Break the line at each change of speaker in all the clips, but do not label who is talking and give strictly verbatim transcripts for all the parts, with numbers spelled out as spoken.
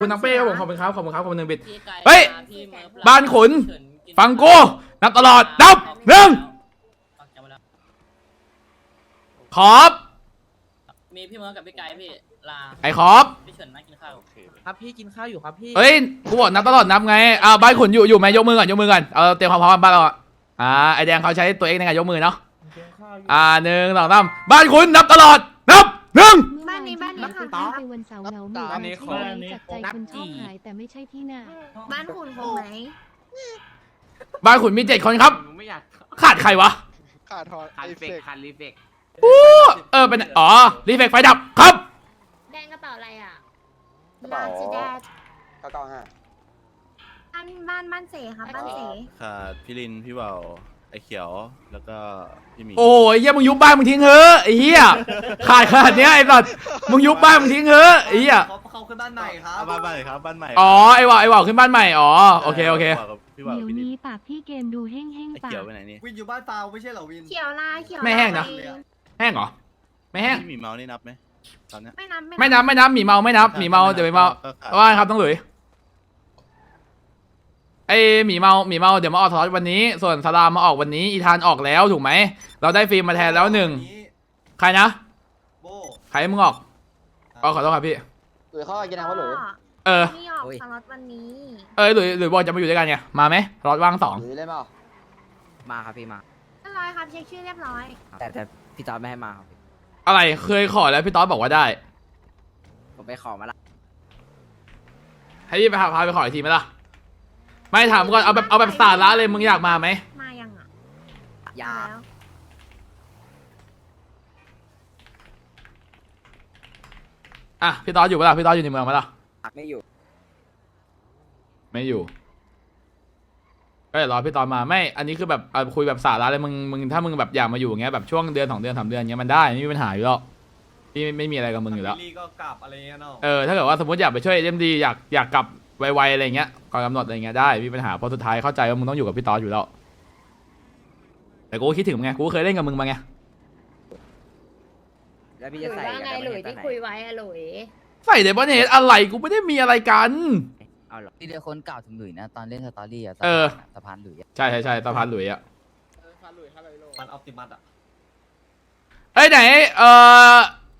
คุณนังเป้ครับผมขอบคุณครับขอบคุณครับขอบคุณหนึ่งบิตเฮ้ยบ้านขุนฟังกูนับตลอดนับหนึ่งขอบ
มีพี่เมิร์กับพี่ไก่พี่ลา
ไอ้ขอบ
พี่เฉินนั่งกินข้าว
ครับพี่กินข้าวอยู่ครับพี่
เฮ้ยกูบอกนับตลอดนับไงอ่าบ้านขุนอยู่อยู่ไหมยกมือก่อนยกมือก่อนเอาเตรียมความพร้อมบ้านเราอ่าไอแดงเขาใช้ตัวเองในการยกมือเนาะอ่าหนึ่งสองสามบ้านขุนนับตลอดนับหนึ่ง
บ้านนี้บ้านนี้ค่ะ
ไปวันเสาร์เหงาหมู่บ้านนี้ของจับใจคนชอบหายแต่ไม่ใช่ที่น่ะ
บ้านคุณคงไหม
บ้านขุนมีเจ็ดคนครับขาดใครวะ
ขาดทอน
คันเฟกคันรีเฟก
อู้เออเป็นอ๋อรีเฟกไฟดับครับ
แดงกระเป๋าอะไรอ่ะ
กระเป๋า
ลาจิแดด
เก้าเก้าห้า
บ้านบ้านบ้านเสครับบ้านเส
ขาดพี่ลินพี่เบาไอเขียวแล้วก็พี่หมี
โอ้ยเฮียมึงยุบบ้านมึงทิ้งเฮ้อไอ้เฮียขาดขนาดเนี้ยไอ้สัตว์มึงยุบบ้านมึงทิ้งเฮ้อไอ้เฮีย
เขาเขาขึ้นบ้านใหม่ครับ
บ้านใหม่ครับบ้านใหม่
อ๋อไอ้ว่าวไอ้ว่าวขึ้นบ้านใหม่อ๋อโอเคโอเค
พี่เบา
เดี๋ยว
พี่ลิน
นี้ปากพี่เกมดูแห้ง
ไอ
ๆปา
เขียว
ก
ไปไหนนี่
วินอยู่บ้านเปล่าไม่ใช่เหรอวิน
เขียวลาเขียว
ไม่แห้งนะ แห้งเหรอไม่แห้ง
พี่หมีเมานี่นับไหมตอนเนี้ย
ไม่นับ
ไม่นับไม่นับหมีเมาไม่นับหมีเมาเดี๋ยวไปเมา
ก็ขาด
ว่าครับต้องหลุยไอหมีเมาหมีเมาเดี๋ยวมาออกทอสวันนี้ ส่วนสลามมาออกวันนี้อีธานออกแล้วถูกไหมเราได้ฟิล์มมาแทนแล้วหนึ่งใครนะ
โบ
ใครให้มึงออกอ๋อขอโทษครับพี่
หรือเขากินน้ำว่าหรือ
เออ
นี่ออกสล็อตวันนี้
เออหลุยหลุยบอกจะมาอยู่ด้วยกันไงมาไหมรถว่างสอง
หรือเล่นเปล่า
มาครับพี่มา
เรียบร้อยครับเช็คชื่อเรียบร้อย
แต่แต่พี่จอร์ดไม่ให้มาครับ
อะไรเคยขอแล้วพี่ต๊อดบอกว่าได้
ผมไปขอมาละ
ให้พี่ไปพาพาไปขออีกทีไหมล่ะไม่ถามก่อนเอาแบบเอาแบบสาระเลยมึงอยากมาไหม
มายังอ่ะ
ยา
แล้ว
อ่ะพี่ต๊อดอยู่ปะล่ะพี่ต๊อดอยู่ในเมืองปะล่ะ
ไม่อยู่
ไม่อยู่ก็เดี๋ยวรอพี่ต๊อดมาไม่อันนี้คือแบบเอาคุยแบบสาระเลยมึงมึงถ้ามึงแบบอยากมาอยู่อย่างเงี้ยแบบช่วงเดือนสองเดือนสามเดือนเงี้ยมันได้ไม่มีปัญหาอยู่แล้วพี่ไม่ไม่มีอะไรกับมึงอยู่แล้ว
ลี่ก็กลับอะไรเงี้ยเนาะ
เออถ้าเกิดว่าสมมติอยากไปช่วยเอ็มดีอยากอยากกลับไวๆอะไรเงี้ยก่อนกำหนดอะไรเงี้ยได้ไม่มีปัญหาเพราะสุดท้ายเข้าใจว่ามึงต้องอยู่กับพี่ต๊อดอยู่แล้วแต่กูก็คิดถึงมึงไงกูก็เคยเล่นกับมึงมาไง
แล้วพี่
หลุ
จะ
ย
ใส่
ว่าไงหลุยที่คุยไว้อะหลุย
ใส่เดบอนเฮดอะไรกูไม่ได้มีอะไรกัน
เอาหรอ
ที่เดียวคนเก่าถึงหลุยนะตอนเล่นสตอรี่อะ
เออ
สะพานหลุยอะ
ใช่ใช่ใช่สะพานหลุยอะ
มันออปติมัสอ่ะ
เอ้ยไหนเอ่อ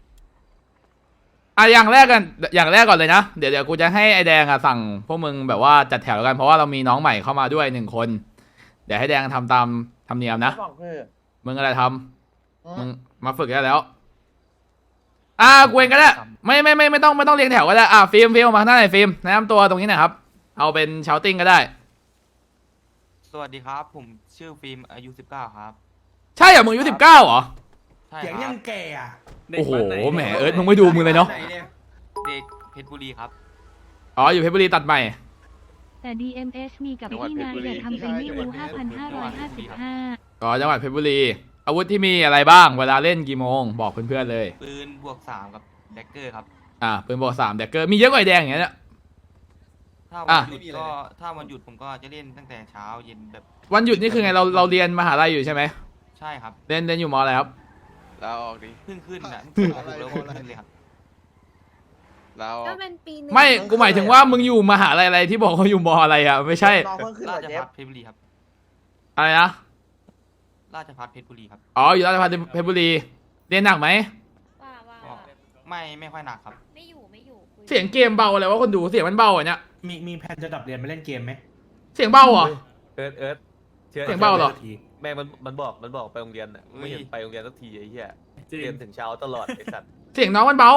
อ่ะอย่างแรกกันอย่างแรกก่อนเลยนะเดี๋ยวเดี๋ยวกูจะให้ไอแดงอะสั่งพวกมึงแบบว่าจัดแถวกันเพราะว่าเรามีน้องใหม่เข้ามาด้วยหนึ่งคน เดี๋ยวให้แดงทำตามธรรมเนียมนะมึงอะไรทำมึงมาฝึกได้แล้วอ่ะกูเองก็ได้ไม่ไม่ไม่ไม่ต้องไม่ต้องเรียงแถวก็ได้อ่ะฟิล์มฟิล์มมาข้างหน้าหน่อยฟิล์มแนะนำตัวตรงนี้หน่อยครับเอาเป็นชาวติ้งก็ได้
สวัสดีครับผมชื่อฟิล์มอายุสิบเก้าครับ
ใช่เหรอมึงอายุสิบเก้าเหรอ
ใช่
เสียง
ค
ยั
รับ
งแก่อ่ะ
โอ้โหแหมเอิร์ธมึงไม่ดูมึงเลยเนาะ
เด็กเพชรบุรีครับ
อ๋ออยู่เพชรบุรีตัดใหม่
แต่ ดี เอ็ม เอช มีกับพี่นายแต่ทำไปไม่รู้ ห้าพันห้าร้อยห้าสิบห้า
อ๋อจังหวัดเพชรบุรีอาวุธที่มีอะไรบ้างเวลาเล่นกี่โมงบอกเพื่อนๆเลย
ปืนบวกสามกับแดกเกอร์ครับ
อ่าปืนบอกสามแดกเกอร์มีเยอะกว่าไอ้แดงอย่างเงี้ย
ถ้า
อ่ะ
วันหยุดก็ถ้าวันหยุดผมก็จะเล่นตั้งแต่เช้าเย็นแบบ
วันหยุดนี่คือไงเราเราเรียนมหาลัยอยู่ใช่ไหม
ใช่ครับ
เรียนเรียนอยู่มอะไรครับ
เราออกดิ
เพิ่งขึ้นนะ
เพิ่
เพิ่
ง
งแล้ว
เพิ่ง
ขึ้นเลยครับ
เรา
ก็เป็นปีหนึง
ไม่กูหมายถึงว่ามึงอยู่มหาลัยอะไรที่บอกเขาอยู่มอะไรอ่ะไม่ใช่
น้องเพิ่งขึ้น
รา
เหรอ
ช
เจ
พั
ฟ
ฒเพชรบุรีครับ
อะไรนะ
ราชพัฒเพชรบุรีครับ
อ๋ออยู่ราชภัฏเพชรบุรีเรียนหนักไหม
ว่าว่า
ก็ไม่ไม่ค่อยหนักครับ
ไม่อยู่ไม่อยู่คุย
เสียงเกมเบาอะไรวะคนดูเสียงมันเบาอ่ะเนี่ย
มีมีแผนจะดับเรียนไปเล่นเกมไหม
เสียงเบาเหรอ
เอิร์ธเอิร์ธชื่
เสียงเบาเหรอ
ทีแม่งมันมันบอกมันบอกไปโรงเรียนอ่ะไม่เห็นไปโรงเรียนสักทีไอ้เหี้ยเรียนถึงเช้าตลอดไอ้สัตว์
เสียงน้องมันเบา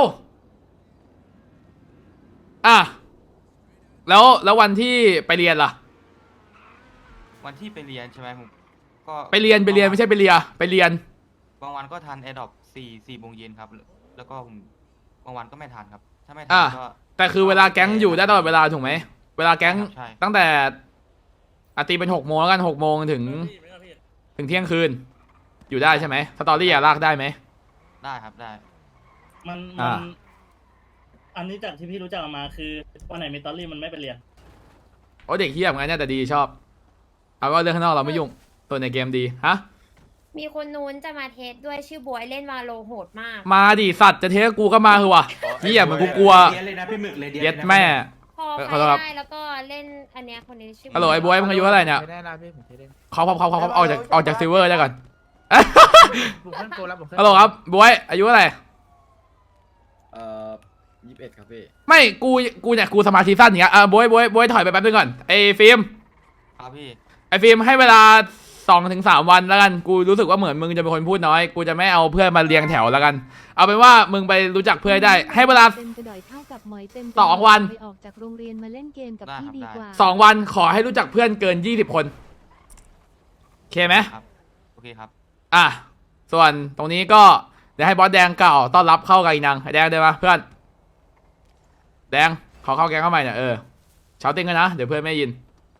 อ่ะแล้วแล้ววันที่ไปเรียนล่ะ
วันที่ไปเรียนใช่ไหมผมก็
ไปเรียนไปเรียนไม่ใช่ไปเรียไปเรียน
บางวันก็ทันแอร์ดรอปสี่สี่โมงเย็นครับ แล้วก็ผมบางวันก็ไม่ทันครับ ถ้าไม่ทั
อ่ะ
ก็
แต่คือเวลาแก๊งอยู่ได้ตลอดเวลาถูกไหมเวลาแก๊ง
ใช่
ตั้งแต่อาตีเป็นหกโมงแล้วกันหกโมงถึง ถึงเที่ยงคืน อยู่ได้ใช่ไหมสตอรี่อะลากได้ไหม
ได้ครับได้
มัน
อ่า
มันอันนี้จากที่พี่รู้จักมาคือวันไหนมีตอรี่มันไม่ไปเรียน
โอ้เด็กเฮี้ยเหมือนกันเนี่ยแต่ดีชอบเอาว่าเรื่องข้างนอกเราไม่ยุ่งตัวในเกมดีฮะ
มีคนนู้นจะมาเทสด้วยชื่อบวยเล่นวาโลโหดมาก
มาดิสัตว์จะเทสกูก็มาคือวะเฮี้ยเหมือนกูกลัว
เดียนเลยนะพี่หมึกเลยเดียน
เย็ด
ลยนะ
แม่
พอ
เอ่อ
ใค
ข
ร
อโทษครับ
ได้แล้วก็เล่นอันเนี้ยคนนี้ชื่อ
ฮัลโหลไอ้บวยมึงอายุเท่าไหร่เนี่ย
ไม่ได้นะพี่ผมเคยเล่น
เขาเขาเขาเขาเขาออกจากออกจากซิลเวอร์ได้ก่อน
ผมเพิ่งโกแล้วผม
ฮัลโหลครับบวยอายุเท่าไหร่
เอ่อยี่สิบเอ็ดครับพี่
ไม่กูกูเนี่ยกูสมาธิสั้นอย่างเงี้ยอ่ะบวยบวยบวยถอยไปแป๊บนึงก่อนไอ้ฟิล์ม
ครับพี่
ไอ้ฟิล์มให้เวลาสองถึงสามวันแล้วกันกูรู้สึกว่าเหมือนมึงจะเป็นคนพูดน้อยกูจะไม่เอาเพื่อนมาเรียงแถวแล้วกัน เอาเป็นว่ามึงไปรู้จักเพื่อนให้ได้ ให้เวลา
เต็มกระดอยเท่ากับหมอยเต็ม
สองวัน
ไปออกจากโรงเรียนมาเล่นเกมกับพี่ดีกว่า
สองวันขอให้รู้จักเพื่อนเกินยี่สิบคนโอเคไหม
ครับโอเคครับ
อ่ะส่วนตรงนี้ก็เดี๋ยวให้บอสแดงกล่าวต้อนรับเข้ากับอีนังไอ้แดงได้ปะเพื่อนแดงขอเข้าแกงเข้าใหม่เนี่ยเออเช้าติ้งกันนะเดี๋ยวเพื่อนไม่ได้ยิน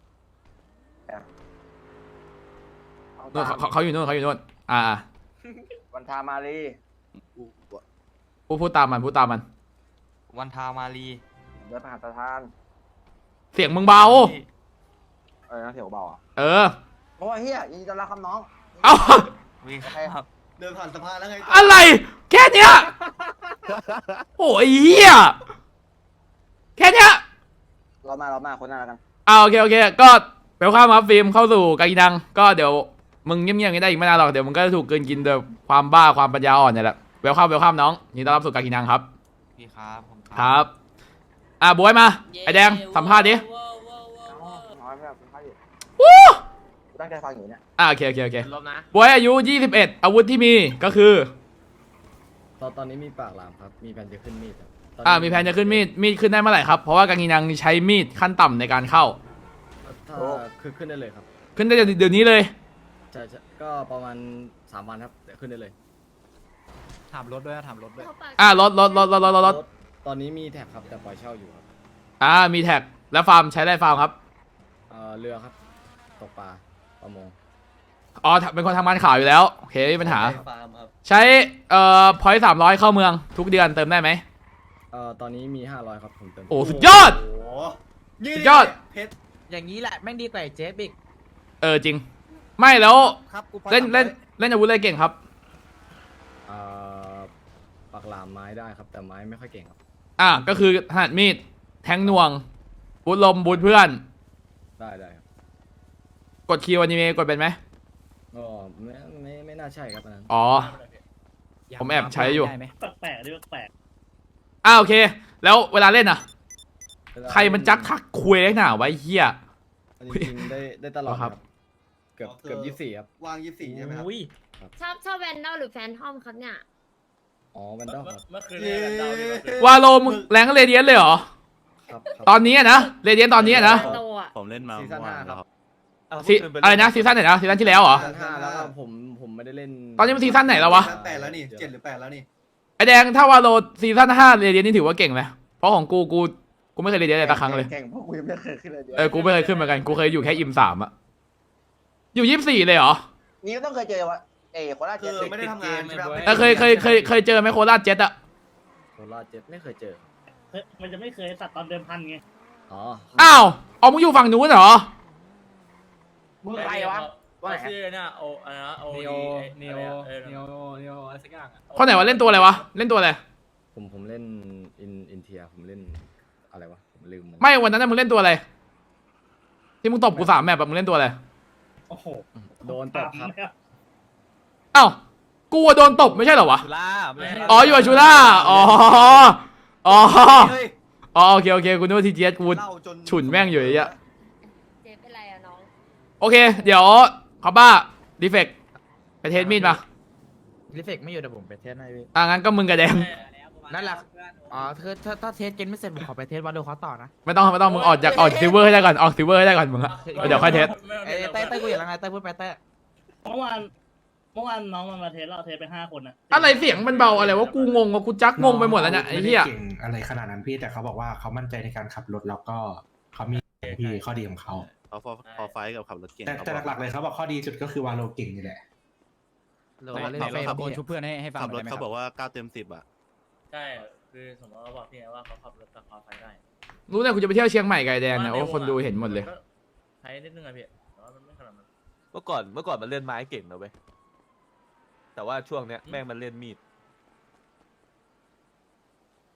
นู่นเขาเขาเขาอยู่นู่นเขาอยู่นู่นอ่าอ่า
วันทามารี
พูดพูดตามมันพูดตามมัน
วันทามารี
เดินผ่านสถาน
เสียงมึงเบา
พี่
เออเสียวเบาอ่ะ
เออ
โอ้ยเฮียยินดีต้อนรับครับน้อง
เอา
วิ่ง
โอเค
ครับ
เดินผ่านสะพานแล้วไง
อะไรแค่เนี้ยโอ้ยเหี้ยแค่เนี้ย
เรามาเรามาคนหน้าแล้วกัน
อ่าโอเคโอเคก็เวลข้ามครับฟิล์มเข้าสู่กากีนังก็เดี๋ยวมึงเงียบๆอย่างนี้ได้อีกไม่นานหรอกเดี๋ยวมึงก็จะถูกเกินกินโดยความบ้าความปัญญาอ่อนเนี่ยแหละเวลข้ามเวลข้ามน้องยินดีต้อนรับสู่กากีนังครับ
พี่ครับผม
ครับ อ่ะบวยมา ไอแดงสัมภาษณ์ดิ
น้อยไม่เอาคุณพ่ออยู่
วู้
ตั้งใจฟังอยู่เนี่ย
อ่ะโอเคโอเคโอเค
ลบนะ
บวยอายุยี่สิบเอ็ดอาวุธที่มีก็คือ
ตอนตอนนี้มีปากหลามครับ มีแผนจะขึ้นมีดครับตนนี้
อ่ามีแผนจะขึ้นมีด มีดขึ้นได้เมื่อไหร่ครับ เพราะว่ากากีนังใช้มีดขั้นต่ำในการเข้า
ถ้าคือขึ้นได้เลยครับ
ขึ้นได้เดี๋ยวนี้เลย
ใช่ใช่ก็ประมาณสามวันครับเดี๋ยวขึ้นได้เลย
ถามรถด้วยนะถามรถด้วย
อ่ารถรถรถรถรถรถรถ
ตอนนี้มีแท็กครับแต่ปล่อยเช่าอยู่ครับ
อ่ามีแท็กแล้วฟาร์มใช้ได้ฟาร์มครับ
เอ่อเรือครับตกปลาประมง
อ๋อเป็นคนทำงานข่าวอยู่แล้วโอเคไม่มีปัญหา
ฟาร์มครับ
ใช้เอ่อพอยต์สามร้อยเข้าเมืองทุกเดือนเติมได้ไหม
เอ่อตอนนี้มีห้าร้อยครับผมเติม
โอ้สุดยอด
โอ้โห
สุดยอด
เพชร
อย่างนี้แหละแม่งดีกว่าไอ้เจ๊บิ๊ก
เออจริง ไม่แล้ว
ครับกู
เล่นเล่นเล่นอาวุธอะไรเก่งครับ
เอ่อปากหลามไม้ได้ครับแต่ไม้ไม่ค่อยเก่งครับ
อ่ะก็คือถนัดมีดแทงหน่วงบูทลมบูทเพื่อน
ได้ได้ครับ
กดคิวอนิเมะกดเป็นไหม
ก็ไม่ไม่ไม่น่าใช่ครับอันนั้น
อ๋อ ผมแอบใช้อยู่
ได้ไหม
แปลกๆด้วยแปลก
อ่าโอเค แล้วเวลาเล่นอ่ะ
เวลา
ใครมันจักทักคุยได้หนาไวะไอ้เฮีย
อันนี้จริงๆได้ได้ตลอด
ค
ค
รั
รับ บ เกือบเกือบยี่สิบสี่ครับ
วางยี่สิบสี่ใช่ไหมครับ
อุ้ย
ชอบชอบแวนดอลหรือแฟนทอมครับเนี่ย
อ๋อวันดอลครับ
เมื่อคืนเนี่ยเดาดีกว่าคืน
วาโลมึงแรงเรเดียนเลยเหรอ
ครับครับ
ตอนนี้อะนะเรเดียนตอนนี้อะนะ
โตอ่ะ
ผมเล่นมา
ซีซั่น
เมื่อวาน
ห้า
แล้ว
ครับ
ครับ
ซีอะไรนะซีซั่นไหนนะซีซั่นที่แล้วเหรอ
ซีซั่นห้าแล้วก็ผมผมไม่ได้เล่น
ตอนนี้มันซีซั่นไหนแล้ววะ
แปดแล้วนี่เจ็ดหรือแปดแล้วนี่
ไอแดงถ้าวาโลซีซั่นห้าเรเดียนนี่ถือว่าเก่งไหมเพราะของกูกูกูไม่เคยเรเดียนเลยสักครั้งเลย
เก่งพวกกูยังไม่เคยขึ้นเลยเดี๋ยว
เออกูไม่เคยขึ้นเหมือนกันกูเคยอยู่แค่อิมสามอะอยู่ยี่สิบสี่เลยเหรอ
นี่ก็ต้องเคยเจอว่าเอ๋โคราช
คือไม่ได้ทำงานใช่ไหมครับ
เออเคยเคยเคยเคยเจอไหมโคราชเจ็ตอะ
โคราชเจ็ดไม่เคยเจอครับ
เฮ้ยมันจะไม่เคยสัตว์ตอนเดิมพันไง
อ๋อ
อ้าวเอามึงอยู่ฝั่งนู้นเหรอ
มึงใครวะว่าไง
ชื่อเนี่ยโออะไรนะโอ
เนโอเนโอ
เออ
เนโอเนโออะไรสักอย่างอะ
คนไหนวะเล่นตัวอะไรวะเล่นตัวอะไร
ผมผมเล่นอินอินเทียผมเล่นอะไรวะผมลืมมัน
ไม่วันนั้นนะมึงเล่นตัวอะไรที่มึงตบกูสามแมปแบบมึงเล่นตัวอะไร
โอ้โห
โดนตบครับ
อ้าวกูอะโดนตบไม่ใช่เหรอวะ
ชูล่าไม่ใช่
อ๋ออยู่กับชูล่าอ๋ออ๋อ
เฮ้ย
อ๋อโอเคโอเคกูนึกว่าทีเจสกู
เล่าจน
ฉุนแม่งอยู่ไอ้เหี้ย
เจ๊เป็นไรอะน้อง
โอเค เดี๋ยวขอบ้าดีเฟกไปเทสมีดมา
ลิเฟกไม่อยู่แต่ผมไปเทสให้พี่
อ่ะงั้นก็มึงกับแดง
นั่นแหละอ๋อคือถ้าถ้าเทสเกมไม่เสร็จผมขอไปเทสวาโลเขาต่อนะ
ไม่ต้องไม่ต้องมึงออกจากออกซิลเวอร์ให้ได้ก่อนออกซิลเวอร์ให้ได้ก่อนมึงอะเดี๋ยวค่อยเทส
เอ้ยเต้เต้กูอย่างไรเต้พูดไปเต้
เมื่อวานเมื่อวานน้องมันมาเทสเราเทสไปห้าคนอะ
อะไรเสียงมันเบาอะไรวะกูงงว่ากูจักงงไปหมดแล้วเนี่ยไอ้เหี้ย
ม่ด้เก่งอะไรขนาดนั้นพี่แต่เขาบอกว่าเขามั่นใจในการขับรถแล้วก็เขามีพี่ข้อดีของเขา
เขาพอพอไฟท์กับขับรถเก่ง
แต่
เขา
แต่
บอก
หลักๆเลยเขาบอกข้อดีสุดก็คือวาโลเก่งนี่แหละ
เราเล่นเฟย์ตะโกนชุบเพื่อนให้ให้ฟัง
ขับรถ
ได้ไหมค
เขา
รับ
บอกว่าเก้าเต็มสิบอ่ะ
ใช่ คือสมมติเราบอกพี่ไงว่าเขาขับรถตะคอไฟได้
รู้เนี่ยกูจะไปเที่ยวเชียงใหม่ไกบไอ้แดงเนี่ยโอ้คนดูเห็นหมดเลย
ใช้นิดนึงอะพี่แต่ว่ามันไม่ขนาดนั้น
เมื่อก่อนเมื่อก่อนมันเล่นไม้เก่งนะเว้ยแต่ว่าช่วงเนี้ยแม่งมันเล่นมีด
ผมพ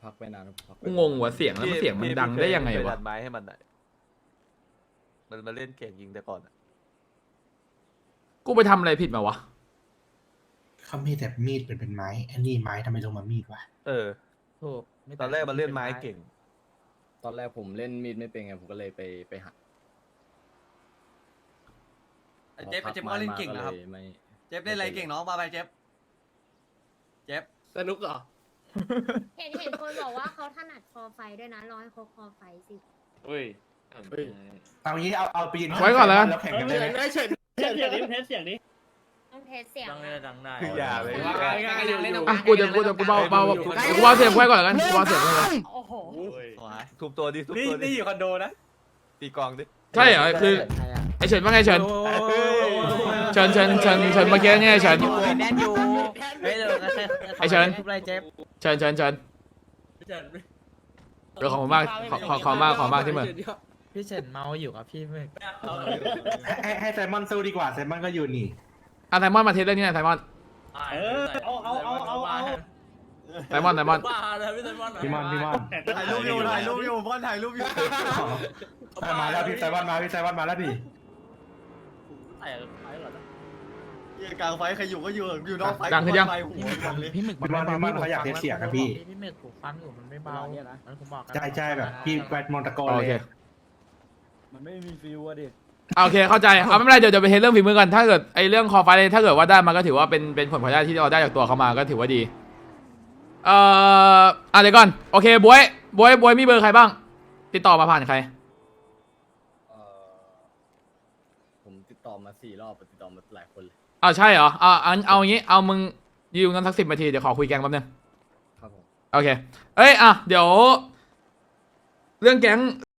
พักไปนานพักไป
กูงงหัวเสียงแล้วมันเสียงมันดังได้ยังไง
พี่เค
วะ
ดันไม้ให้มันหน่อยมันมาเล่นเก่งยิงแต่ก่อนอะ
กูไปทำอะไรผิดมาวะ
เขามีแต่มีดเป็นเป็นไม้อันนี้ไม้ทำไมลงมามีดวะ
เออ
ถูก
ตอนแรกมันเล่นไม้เก่ง
ตอนแรกผมเล่นมีดไม่เป็นไงผมก็เลยไปไปหัด
เจ๊บเจ๊บก็เล่นเก่งนะครับ
ไม่
เจ๊บเล่นอะไรเก่งน้องมาไปเจ๊บเจ๊บ
สนุกเหรอ
เห็นเห็นคนบอกว่าเขาถนัดคอไฟด้วยนะร้อยเขาคอไฟสิ
เฮ้ย
เอางี้เอาเอาไปยืน
ไว้ก่อนแล้วกัน
แล้วแข่งกัน
เฮ้
ได้
ย
ไหม
เทสเสียงดิเทสเสียงดิ
ต้องเทสเสียง
คืออย่าเลย
อ่ะกูจะกูจะกูเบาเบากูเบาเสียงไว้ก่อนแล้วกันกูเบาเสียงไว้ก่อน
โอ้โห
ทุบตัวดิทุบตัวดินี่อยู่คอนโดนะตีกองดิ
ใช่เหรอคือไอเฉินว่าไงเฉินเฉินเฉินเฉินเฉินเมื่อกี้เนี่ยเฉิน
แน่นอยู่เฮ้ยเดี๋ยว
ไอ้เฉิน
ทุบไรเจ็บ
เฉินเฉินเฉินเดี๋ยวขอบคุณมากขอขอขอมากขอมากที่มึง
พี่เฉินเมาอยู่ครับพี่มึก
ให้ให้ไซมอนสู้ดีกว่าไซมอนก็อยู่นี่
อ่ะไซมอนมาเทสเรื่องนี้หน่อยไซมอน
เออเอาเอาเอาเอาเอา
ไซมอนไซมอน
พี่มอนพี่มอน
ถ่ายรูปอยู่ถ่ายรูปอยู่บอลถ่ายรูปอยู่
มาแล้วพี่ไซมอนมาพี่ไซมอนมาแล้วพี่
กลางไฟใครอยู่ก็อยู่อยู่นอกไฟ
ดังขึ้นยัง
พี่หมึก
พี่มอนพี่มอนเขาอยากเทสเสียงนะพี่
พี่หมึกผมฟังอยู่มันไม่เบามันผมบอกกัน
ใช่ใช่แบบพี่แวดมอนตะโกน
โอ
เล
เค
ย
มันไม่มีฟิวอะดิ
โอเคเข้าใจเอาไม่เป็นไรเดี๋ยวเดี๋ยวไปเทสเรื่องฝีมือกันถ้าเกิดไอเรื่องคอไฟถ้าเกิดว่าได้มันก็ถือว่าเป็นเป็นผลพลอยได้ที่เราได้จากตัวเขามาก็ถือว่าดีเอ่ออ่ะเดี๋ยวก่อนโอเคบวยบวยบวยมีเบอร์ใครบ้าง ติดต่อมาผ่านใคร
เอ่อผมติดต่อมาสี่รอบติดต่อมาหลายคนเลย
อ้าวใช่เหรอเอาเอาเอาอย่างงี้เอามึงยืมกันสักสิบนาทีเดี๋ยวขอคุยแกงแป๊บนึง
ครับผม
โอเคเอ้ยอ่ะเดี๋ยว เรื่องแก๊ง